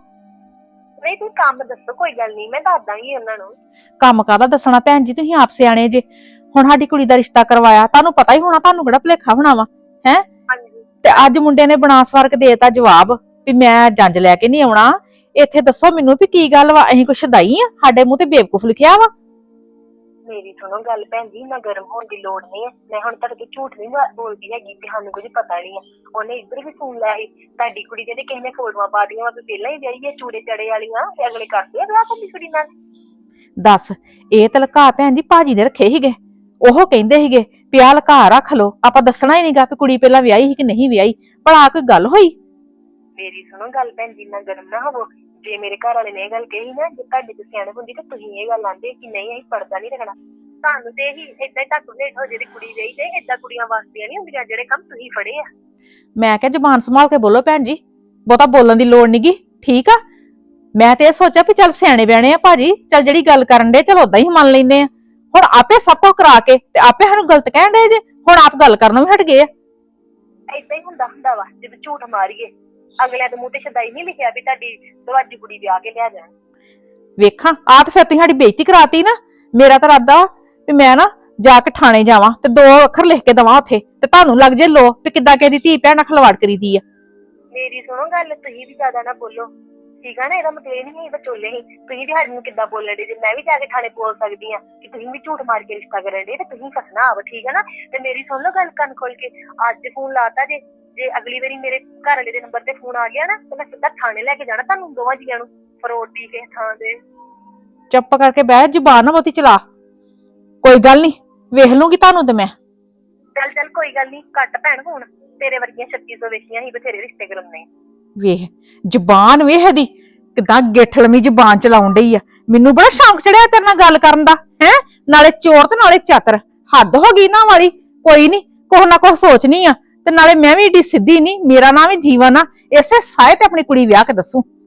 ਨਹੀਂ ਤੁਸੀਂ ਕੰਮ ਦੱਸੋ, ਕੋਈ ਗੱਲ ਨਹੀਂ, ਮੈਂ ਦੱਸ ਦਾਂਗੀ ਉਹਨਾਂ ਨੂੰ।
ਕੰਮ ਕਾਹਦਾ ਦੱਸਣਾ ਭੈਣ ਜੀ, ਤੁਸੀਂ ਆਪ ਸਿਆਣੇ ਜੇ। ਹੁਣ ਸਾਡੀ ਕੁੜੀ ਦਾ ਰਿਸ਼ਤਾ ਕਰਵਾਇਆ, ਤੁਹਾਨੂੰ ਪਤਾ ਹੀ ਹੋਣਾ, ਤੁਹਾਨੂੰ ਕਿਹੜਾ ਭੁਲੇਖਾ ਹੋਣਾ ਵਾ ਹੈ?
ਹਾਂਜੀ।
ਤੇ ਅੱਜ ਮੁੰਡੇ ਨੇ ਬਣਾ ਸਵਾਰ ਕੇ ਦੇਤਾ ਜਵਾਬ ਵੀ ਮੈਂ ਜੰਜ ਲੈ ਕੇ ਨਹੀਂ ਆਉਣਾ। ਇੱਥੇ ਦੱਸੋ ਮੈਨੂੰ ਵੀ ਕੀ ਗੱਲ ਵਾ? ਅਸੀਂ ਕੁਛ ਸ਼ਦਾਈ ਆ? ਸਾਡੇ ਮੂੰਹ ਤੇ ਬੇਵਕੂਫ ਲਿਖਿਆ ਵਾ।
ਮੇਰੀ ਸੁਣੋ ਗੱਲ ਭੈਣ ਜੀ, ਨਾ ਗਰਮ ਹੋਣ ਦੀ ਲੋੜ ਨਹੀਂ ਹੈ। ਮੈਂ ਹੁਣ ਤੁਹਾਡੇ ਤੋਂ ਝੂਠ ਨਹੀਂ ਬੋਲਦੀ ਹੈਗੀ ਕਿ ਸਾਨੂੰ ਕੁਝ ਪਤਾ ਨਹੀਂ ਆ। ਉਹਨੇ ਇੱਧਰ ਵੀ ਸੁਣ ਲਿਆ ਸੀ ਤੁਹਾਡੀ ਕੁੜੀ ਦੇ ਕਿਸੇ ਨੇ ਫੋਟੋਆਂ ਪਾ ਦੀਆਂ ਵਾ ਵੀ ਪਹਿਲਾਂ ਹੀ ਵਿਆਹੀ ਹੈ ਚੂੜੇ ਚੜੇ ਵਾਲੀਆਂ, ਤੇ ਅਗਲੇ ਕਰਦੇ ਆ ਵਿਆਹ ਤੁਹਾਡੀ ਕੁੜੀ ਨਾਲ।
ਦੱਸ, ਇਹ ਤਾਂ ਲਕਾ ਭੈਣ ਜੀ ਭਾਜੀ ਨੇ ਰੱਖੇ ਸੀਗੇ। ਉਹ ਕਹਿੰਦੇ ਸੀਗੇ ਵੀ ਆਹ ਲਕਾ ਰੱਖ ਲੋ, ਆਪਾਂ ਦੱਸਣਾ ਹੀ ਨਹੀਂਗਾ ਵੀ ਕੁੜੀ ਪਹਿਲਾਂ ਵਿਆਹੀ ਸੀ ਕਿ ਨਹੀਂ ਵਿਆਹੀ। ਭਲਾ ਕੋਈ ਗੱਲ ਹੋਈ?
ਮੇਰੀ ਸੁਣੋ ਗੱਲ ਭੈਣ ਜੀ, ਨਾ ਗਰਮ ਨਾ ਹੋਵੋ। ਜੇ ਮੇਰੇ ਘਰ ਵਾਲੇ ਨੇ ਇਹ ਗੱਲ ਕਹੀ ਨਾ, ਜੇ ਤੁਹਾਡੇ ਤੋਂ ਸਿਆਣਪ ਹੁੰਦੀ ਤਾਂ ਤੁਸੀਂ ਇਹ ਗੱਲ ਆਂਦੇ ਕਿ ਨਹੀਂ ਅਸੀਂ ਪਰਦਾ ਨਹੀਂ ਰੱਖਣਾ। ਤੁਹਾਨੂੰ ਤੇ ਹੀ ਏਦਾਂ ਢੱਕ ਲੇਟ ਹੋ ਜਿਹੜੀ ਕੁੜੀ ਵਿਆਹੀ ਤੇ ਏਦਾਂ ਕੁੜੀਆਂ ਵਾਸਤੇ ਨਹੀਂ ਹੁੰਦੀਆਂ ਜਿਹੜੇ ਕੰਮ ਤੁਸੀਂ ਫੜੇ ਆ।
ਮੈਂ ਕਿਹਾ ਜ਼ੁਬਾਨ ਸੰਭਾਲ ਕੇ ਬੋਲੋ ਭੈਣ ਜੀ, ਬਹੁਤਾ ਬੋਲਣ ਦੀ ਲੋੜ ਨਹੀਂਗੀ, ਠੀਕ ਆ? ਮੈਂ ਤੇ ਇਹ ਸੋਚਿਆ ਵੀ ਚੱਲ ਸਿਆਣੇ ਬਿਆਣੇ ਆ ਭਾਜੀ, ਚੱਲ ਜਿਹੜੀ ਗੱਲ ਕਰਨ ਦੇ ਚਲ ਓਦਾਂ ਹੀ ਮੰਨ ਲੈਂਦੇ ਆ। ਹੁਣ ਆਪੇ ਸਭ ਕੁਝ ਕਰਾ ਕੇ ਤੇ ਆਪੇ ਸਾਨੂੰ ਗਲਤ ਕਹਿਣ ਦੇ ਜੇ, ਹੁਣ ਆਪ ਗੱਲ ਕਰਨੋਂ ਵੀ ਹਟ ਗਏ ਆ।
ਏਦਾਂ ਹੀ ਹੁੰਦਾ ਵਾ ਜਦੋਂ ਝੂਠ ਮਾਰੀਏ। ਅਗਲਿਆਂ ਦੇ ਮੂੰਹ ਤੇ ਸ਼ਦਾਈ ਨਹੀਂ ਲਿਖਿਆ ਵੀ ਤੁਹਾਡੀ ਦਵਾਜੀ ਕੁੜੀ ਵਿਆਹ ਕੇ ਲਿਆ ਜਾਣ।
ਵੇਖਾਂ ਆ ਤੇ ਫਿਰ ਤੁਸੀਂ ਸਾਡੀ ਬੇਇੱਜ਼ਤੀ ਕਰਾਤੀ ਨਾ। ਮੇਰਾ ਤਾਂ ਇਰਾਦਾ ਵੀ ਮੈਂ ਨਾ ਜਾ ਕੇ ਥਾਣੇ ਜਾਵਾਂ ਤੇ 2 ਅੱਖਰ ਲਿਖ ਕੇ ਦਵਾਂ ਉੱਥੇ, ਤੇ ਤੁਹਾਨੂੰ ਲੱਗ ਜੇ ਲੋ ਵੀ ਕਿੱਦਾਂ ਕਿਸੇ ਦੀ ਧੀ ਭੈਣ ਨਾਲ ਖਲਵਾੜ ਕਰੀਦੀ ਆ।
ਮੇਰੀ ਸੁਣੋ ਗੱਲ, ਤੁਸੀਂ ਵੀ ਜ਼ਿਆਦਾ ਨਾ ਬੋਲੋ, ਠੀਕ ਆ ਨਾ? ਇਹਦਾ ਮਤਲਬ ਇਹ ਨਹੀਂ ਬਚੋਲੇ ਹੀ ਤੁਸੀਂ ਵੀ ਸਾਡੇ ਨੂੰ ਕਿੱਦਾਂ ਬੋਲਣ ਦੇ ਜੇ। ਮੈਂ ਵੀ ਜਾ ਕੇ ਥਾਣੇ ਬੋਲ ਸਕਦੀ ਆ ਕਿ ਤੁਸੀਂ ਵੀ ਝੂਠ ਮਾਰ ਕੇ ਰਿਸ਼ਤਾ ਕਰਨ ਦੇ ਤੇ ਤੁਸੀਂ ਫਸਣਾ ਆਵ, ਠੀਕ ਆ ਨਾ? ਤੇ ਮੇਰੀ ਸੁਣ ਲਓ ਗੱਲ ਕੰਨ ਖੋਲ ਕੇ, ਅੱਜ ਫੋਨ ਲਾਤਾ ਜੇ ਅਗਲੀ ਵਾਰੀ ਮੇਰੇ ਘਰ ਵਾਲੇ ਦੇ ਨੰਬਰ ਤੇ ਫੋਨ ਆ ਗਿਆ ਨਾ ਤੇ ਮੈਂ ਸਿੱਧਾ ਥਾਣੇ ਲੈ ਕੇ ਜਾਣਾ ਤੁਹਾਨੂੰ ਦੋਵਾਂ ਜੀਆਂ ਨੂੰ, ਫਰੋਡ ਦੀ ਕਿਸੇ ਥਾਂ ਤੇ।
ਚੁੱਪ ਕਰਕੇ ਬਹਿ, ਜ਼ੁਬਾਨ ਨਾ ਬਹੁਤੀ ਚਲਾ। ਕੋਈ ਗੱਲ ਨਹੀਂ, ਵੇਖ ਲੂੰਗੀ ਤੁਹਾਨੂੰ ਤੇ ਮੈਂ।
ਚੱਲ ਕੋਈ ਗੱਲ ਨਹੀਂ, ਘੱਟ ਭੈਣ ਹੁਣ ਤੇਰੇ ਵਰਗੀਆਂ 3600 ਵੇਖੀਆਂ ਹੀ ਬਥੇਰੇ ਰਿਸ਼ਤੇ ਕਰਾਉਣੇ।
ਵੇਖ ਜ਼ੁਬਾਨ ਵੇਖ ਇਹਦੀ, ਕਿੱਦਾਂ ਗਿੱਠਲਮੀ ਜ਼ੁਬਾਨ ਚਲਾਉਣ ਡਈ ਆ। ਮੈਨੂੰ ਬੜਾ ਸ਼ੌਂਕ ਚੜਿਆ ਤੇਰੇ ਨਾਲ ਗੱਲ ਕਰਨ ਦਾ, ਹੈ? ਨਾਲੇ ਚੋਰ ਤੇ ਨਾਲੇ ਚਾਤਰ, ਹੱਦ ਹੋ ਗਈ ਨਾ ਵਾਲੀ। ਕੋਈ ਨਹੀਂ, ਕੁਛ ਨਾ ਕੁਛ ਸੋਚਣੀ ਆ। ਤੇ ਨਾਲੇ ਮੈਂ ਵੀ ਏਡੀ ਸਿੱਧੀ ਨਹੀਂ, ਮੇਰਾ ਨਾਮ ਵੀ ਜੀਵਨ ਆ। ਇਸੇ ਸਾਏ ਤੇ ਆਪਣੀ ਕੁੜੀ ਵਿਆਹ ਕੇ ਦੱਸੂ।